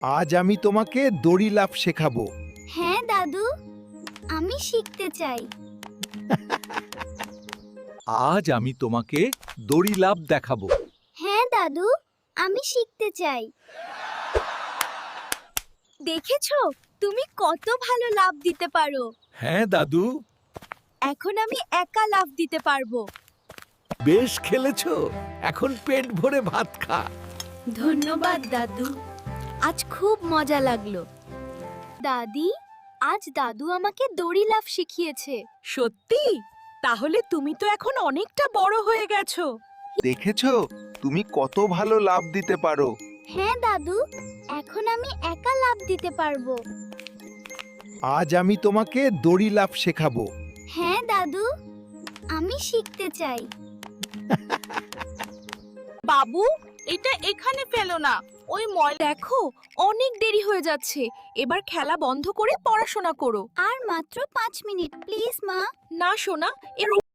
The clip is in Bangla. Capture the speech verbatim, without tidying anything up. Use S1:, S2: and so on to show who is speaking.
S1: আজ আমি তোমাকে দড়ি লাফ শেখাবো।
S2: হ্যাঁ দাদু, আমি শিখতে চাই।
S1: আজ আমি তোমাকে দড়ি লাফ দেখাবো।
S2: হ্যাঁ দাদু, আমি শিখতে চাই। দেখেছো, তুমি কত ভালো লাফ দিতে পারো।
S1: হ্যাঁ দাদু,
S2: এখন আমি একা লাফ দিতে পারবো।
S1: বেশ খেলেছো। এখন পেট ভরে ভাত খা।
S2: ধন্যবাদ দাদু, আজ খুব মজা লাগলো। দাদি, আজ দাদু আমাকে দড়ি লাফ শিখিয়েছে।
S3: সত্যি? তাহলে তুমি তো এখন অনেকটা বড় হয়ে গেছো।
S1: দেখেছো, তুমি কত ভালো লাফ দিতে পারো।
S2: হ্যাঁ দাদু, এখন আমি একা লাফ দিতে পারবো।
S1: আজ আমি তোমাকে দড়ি লাফ শেখাবো।
S2: হ্যাঁ দাদু, আমি শিখতে চাই।
S3: বাবু, এটা এখানে ফেলো না। ওই ময়লা দেখো, অনেক দেরি হয়ে যাচ্ছে। এবার খেলা বন্ধ করে পড়াশোনা করো।
S2: আর মাত্র পাঁচ মিনিট প্লিজ মা।
S3: না সোনা, এর